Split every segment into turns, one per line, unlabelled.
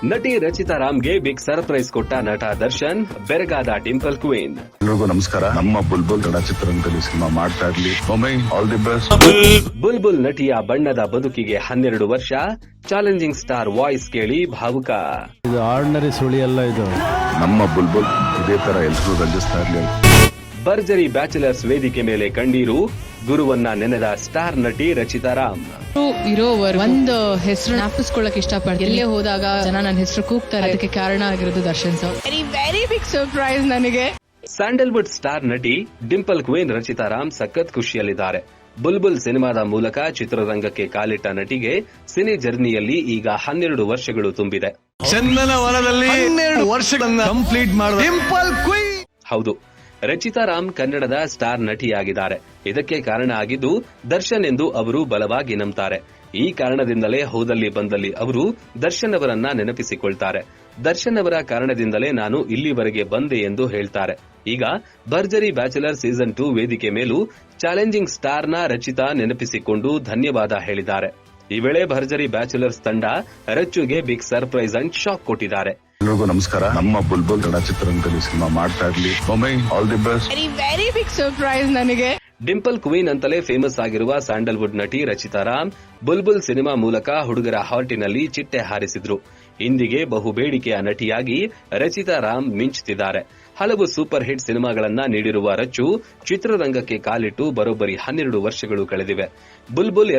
ನಟಿ Rachita ರಾಮ್ಗೆ big surprise ಕೊಟ್ಟ ನಟ ದರ್ಶನ್, ಬೆರಗಾದ ಡಿಂಪಲ್ ಕ್ವೀನ್.
ಎಲ್ರಿಗೂ ನಮಸ್ಕಾರ. ನಮ್ಮ ಬುಲ್ಬುಲ್ ಕನ್ನಡ ಚಿತ್ರರಂಗದಲ್ಲಿ ಸಿನಿಮಾ ಮಾಡ್ತಾ ಇರ್ಲಿ. All the best.
ಬುಲ್ಬುಲ್ ನಟಿಯ ಬಣ್ಣದ ಬದುಕಿಗೆ 12 ವರ್ಷ. ಚಾಲೆಂಜಿಂಗ್ ಸ್ಟಾರ್ ವಾಯ್ಸ್ ಕೇಳಿ ಭಾವುಕ.
ಇದು ಆರ್ಡಿನರಿ ಸುಳಿ ಅಲ್ಲ, ಇದು
ನಮ್ಮ ಬುಲ್ಬುಲ್ ಇದೇ ತರ ಎಲ್ರಿಗೂ ರಂಜಿಸ್ತಾ ಇರ್ಲಿ.
ಭರ್ಜರಿ ಬ್ಯಾಚುಲರ್ಸ್ ವೇದಿಕೆ ಮೇಲೆ ಕಂಡೀರು. ಗುರುವನ್ನ ನೆನೆದ ಸ್ಟಾರ್ ನಟಿ ರಚಿತಾ ರಾಮ್.
ಇರೋವರ್ ಒಂದು ಹೆಸರು ಜ್ಞಾಪಿಸ್ಕೊಳ್ಳಕ್ ಇಷ್ಟಪಡ್ತೀನಿ. ಎಲ್ಲೇ ಹೋದಾಗ ಜನ ನನ್ನ ಹೆಸರು ಕೂಗ್ತಾರೆ. ಅದಕ್ಕೆ ಕಾರಣ ಆಗಿರೋದು Darshan sir. Very big surprise ನನಗೆ.
ಸ್ಯಾಂಡಲ್ವುಡ್ ಸ್ಟಾರ್ ನಟಿ ಡಿಂಪಲ್ ಕ್ವೀನ್ ರಚಿತಾ ರಾಮ್ ಸಖತ್ ಖುಷಿಯಲ್ಲಿದ್ದಾರೆ. ಬುಲ್ಬುಲ್ ಸಿನಿಮಾದ ಮೂಲಕ ಚಿತ್ರರಂಗಕ್ಕೆ ಕಾಲಿಟ್ಟ ನಟಿಗೆ ಸಿನಿ ಜರ್ನಿಯಲ್ಲಿ ಈಗ 12 ವರ್ಷಗಳು ತುಂಬಿದೆ.
ಚಂದನ ವನದಲ್ಲಿ 12 ವರ್ಷಗಳನ್ನ ಕಂಪ್ಲೀಟ್ ಮಾಡಿದ ಡಿಂಪಲ್ ಕ್ವೀನ್.
ಹೌದು, ರಚಿತಾ ರಾಮ್ ಕನ್ನಡದ ಸ್ಟಾರ್ ನಟಿಯಾಗಿದ್ದಾರೆ. ಇದಕ್ಕೆ ಕಾರಣ ಆಗಿದ್ದು ದರ್ಶನ್ ಎಂದು ಅವರು ಬಲವಾಗಿ ನಂಬ್ತಾರೆ. ಈ ಕಾರಣದಿಂದಲೇ ಹೋದಲ್ಲಿ ಬಂದಲ್ಲಿ ಅವರು ದರ್ಶನ್ ಅವರನ್ನ ನೆನಪಿಸಿಕೊಳ್ತಾರೆ. ದರ್ಶನ್ ಅವರ ಕಾರಣದಿಂದಲೇ ನಾನು ಇಲ್ಲಿವರೆಗೆ ಬಂದೆ ಎಂದು ಹೇಳ್ತಾರೆ. ಈಗ ಭರ್ಜರಿ ಬ್ಯಾಚುಲರ್ ಸೀಸನ್ 2 ವೇದಿಕೆ ಮೇಲೂ ಚಾಲೆಂಜಿಂಗ್ ಸ್ಟಾರ್ನ ರಚಿತಾ ನೆನಪಿಸಿಕೊಂಡು ಧನ್ಯವಾದ ಹೇಳಿದ್ದಾರೆ. ಈ ವೇಳೆ ಭರ್ಜರಿ ಬ್ಯಾಚುಲರ್ಸ್ ತಂಡ ರಚ್ಚುಗೆ ಬಿಗ್ ಸರ್ಪ್ರೈಸ್ ಅಂಡ್ ಶಾಕ್ ಕೊಟ್ಟಿದ್ದಾರೆ.
ಎಲ್ರಿಗೂ ನಮಸ್ಕಾರ. ನಮ್ಮ ಬುಲ್ಬುಲ್ ಕನ್ನಡ ಚಿತ್ರರಂಗದಲ್ಲಿ ಸಿನಿಮಾ ಮಾಡ್ತಾ ಇರ್ಲಿ. All the best.
Very big surprise ನನಗೆ.
ಡಿಂಪಲ್ ಕ್ವೀನ್ ಅಂತಲೇ ಫೇಮಸ್ ಆಗಿರುವ ಸ್ಯಾಂಡಲ್ವುಡ್ ನಟಿ ರಚಿತಾ ರಾಮ್ ಬುಲ್ಬುಲ್ ಸಿನಿಮಾ ಮೂಲಕ ಹುಡುಗರ ಹಾರ್ಟಿನಲ್ಲಿ ಚಿಟ್ಟೆ ಹಾರಿಸಿದ್ರು. ಇಂದಿಗೆ ಬಹುಬೇಡಿಕೆಯ ನಟಿಯಾಗಿ ರಚಿತಾ ರಾಮ್ ಮಿಂಚುತ್ತಿದ್ದಾರೆ. ಹಲವು ಸೂಪರ್ ಹಿಟ್ ಸಿನಿಮಾಗಳನ್ನ ನೀಡಿರುವ ರಚ್ಚು ಚಿತ್ರರಂಗಕ್ಕೆ ಕಾಲಿಟ್ಟು ಬರೋಬ್ಬರಿ 12 ವರ್ಷಗಳು ಕಳೆದಿವೆ. ಬುಲ್ಬುಲ್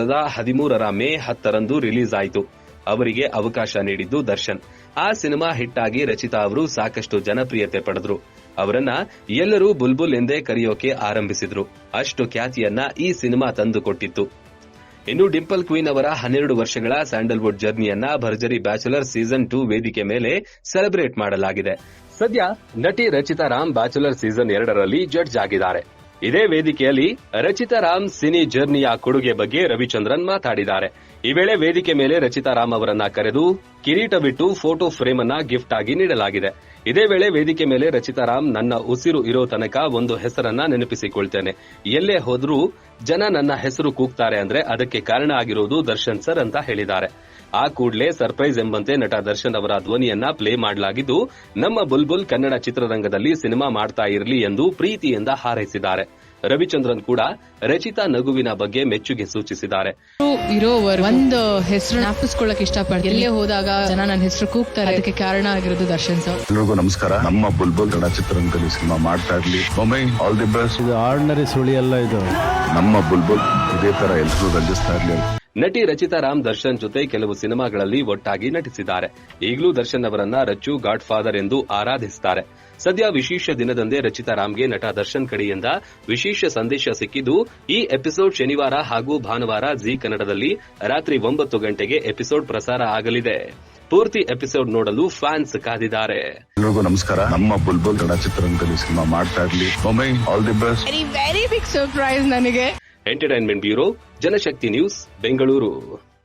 2013 ಮೇ 10 ರಿಲೀಸ್ ಆಯಿತು. ಅವರಿಗೆ ಅವಕಾಶ ನೀಡಿದ್ದು ದರ್ಶನ್. ಆ ಸಿನಿಮಾ ಹಿಟ್ ಆಗಿ ರಚಿತಾ ಅವರು ಸಾಕಷ್ಟು ಜನಪ್ರಿಯತೆ ಪಡೆದ್ರು. ಅವರನ್ನ ಎಲ್ಲರೂ ಬುಲ್ಬುಲ್ ಎಂದೇ ಕರೆಯೋಕೆ ಆರಂಭಿಸಿದ್ರು. ಅಷ್ಟು ಖ್ಯಾತಿಯನ್ನ ಈ ಸಿನಿಮಾ ತಂದುಕೊಟ್ಟಿತ್ತು. ಇನ್ನು ಡಿಂಪಲ್ ಕ್ವೀನ್ ಅವರ 12 ವರ್ಷಗಳ ಸ್ಯಾಂಡಲ್ವುಡ್ ಜರ್ನಿಯನ್ನ ಭರ್ಜರಿ ಬ್ಯಾಚುಲರ್ ಸೀಸನ್ 2 ವೇದಿಕೆ ಮೇಲೆ ಸೆಲೆಬ್ರೇಟ್ ಮಾಡಲಾಗಿದೆ. ಸದ್ಯ ನಟಿ ರಚಿತಾ ರಾಮ್ ಬ್ಯಾಚುಲರ್ ಸೀಸನ್ 2ರಲ್ಲಿ ಜಡ್ಜ್ ಆಗಿದ್ದಾರೆ. ಇದೇ ವೇದಿಕೆಯಲ್ಲಿ ರಚಿತಾ ರಾಮ್ ಸಿನಿ ಜರ್ನಿಯ ಕೊಡುಗೆ ಬಗ್ಗೆ ರವಿಚಂದ್ರನ್ ಮಾತಾಡಿದ್ದಾರೆ. ಈ ವೇಳೆ ವೇದಿಕೆ ಮೇಲೆ ರಚಿತಾ ರಾಮ್ ಅವರನ್ನ ಕರೆದು ಕಿರೀಟ ಬಿಟ್ಟು ಫೋಟೋ ಫ್ರೇಮ್ ಅನ್ನ ಗಿಫ್ಟ್ ಆಗಿ ನೀಡಲಾಗಿದೆ. ಇದೇ ವೇಳೆ ವೇದಿಕೆ ಮೇಲೆ ರಚಿತಾ ರಾಮ್, ನನ್ನ ಉಸಿರು ಇರೋ ತನಕ ಒಂದು ಹೆಸರನ್ನ ನೆನಪಿಸಿಕೊಳ್ತೇನೆ. ಎಲ್ಲೇ ಹೋದ್ರೂ ಜನ ನನ್ನ ಹೆಸರು ಕೂಗ್ತಾರೆ ಅಂದ್ರೆ ಅದಕ್ಕೆ ಕಾರಣ ಆಗಿರೋದು ದರ್ಶನ್ ಸರ್ ಅಂತ ಹೇಳಿದ್ದಾರೆ. ಆ ಕೂಡಲೇ ಸರ್ಪ್ರೈಸ್ ಎಂಬಂತೆ ನಟ ದರ್ಶನ್ ಅವರ ಧ್ವನಿಯನ್ನ ಪ್ಲೇ ಮಾಡಲಾಗಿದ್ದು, ನಮ್ಮ ಬುಲ್ಬುಲ್ ಕನ್ನಡ ಚಿತ್ರರಂಗದಲ್ಲಿ ಸಿನಿಮಾ ಮಾಡ್ತಾ ಇರಲಿ ಎಂದು ಪ್ರೀತಿಯಿಂದ ಹಾರೈಸಿದ್ದಾರೆ. ರವಿಚಂದ್ರನ್ ಕೂಡ ರಚಿತಾ ನಗುವಿನ ಬಗ್ಗೆ ಮೆಚ್ಚುಗೆ ಸೂಚಿಸಿದ್ದಾರೆ.
ಇರೋವರ್ ಒಂದು ಹೆಸರು ಜ್ಞಾಪಿಸ್ಕೊಳ್ಳಕ್ ಇಷ್ಟಪಡ್ತೀನಿ. ಎಲ್ಲೇ ಹೋದಾಗ ಜನ ನನ್ನ ಹೆಸರು ಕೂಗ್ತಾರೆ. ಅದಕ್ಕೆ ಕಾರಣ ಆಗಿರೋದು ದರ್ಶನ್ ಸರ್.
ಎಲ್ರಿಗೂ ನಮಸ್ಕಾರ. ನಮ್ಮ ಬುಲ್ಬುಲ್ ಕನ್ನಡ ಚಿತ್ರರಂಗದಲ್ಲಿ ಸಿನಿಮಾ ಮಾಡ್ತಾ ಇರ್ಲಿ. All the best.
ಇದು ಆರ್ಡಿನರಿ ಸುಳಿ ಅಲ್ಲ, ಇದು
ನಮ್ಮ ಬುಲ್ಬುಲ್ ಇದೇ ತರ ಎಲ್ರಿಗೂ ರಂಜಿಸ್ತಾ ಇರ್ಲಿ.
ನಟಿ ರಚಿತಾ ರಾಮ್ ದರ್ಶನ್ ಜೊತೆ ಕೆಲವು ಸಿನಿಮಾಗಳಲ್ಲಿ ಒಟ್ಟಾಗಿ ನಟಿಸಿದ್ದಾರೆ. ಈಗಲೂ ದರ್ಶನ್ ಅವರನ್ನ ರಚ್ಚು ಗಾಡ್ ಫಾದರ್ ಎಂದು ಆರಾಧಿಸುತ್ತಾರೆ. ಸದ್ಯ ವಿಶೇಷ ದಿನದಂದೇ ರಚಿತಾ ರಾಮ್ಗೆ ನಟ ದರ್ಶನ್ ಕಡೆಯಿಂದ ವಿಶೇಷ ಸಂದೇಶ ಸಿಕ್ಕಿದ್ದು, ಈ ಎಪಿಸೋಡ್ ಶನಿವಾರ ಹಾಗೂ ಭಾನುವಾರ ಜಿ ಕನ್ನಡದಲ್ಲಿ ರಾತ್ರಿ 9 ಗಂಟೆಗೆ ಎಪಿಸೋಡ್ ಪ್ರಸಾರ ಆಗಲಿದೆ. ಪೂರ್ತಿ ಎಪಿಸೋಡ್ ನೋಡಲು ಫ್ಯಾನ್ಸ್ ಕಾದಿದ್ದಾರೆ.
ಎಲ್ರಿಗೂ ನಮಸ್ಕಾರ. ನಮ್ಮ ಬುಲ್ಬುಲ್ ಕನ್ನಡ ಚಿತ್ರರಂಗದಲ್ಲಿ ಸಿನಿಮಾ ಮಾಡ್ತಾ ಇರ್ಲಿ. All the best.
Very big surprise ನನಗೆ.
Entertainment bureau, Janashakti news, Bengaluru.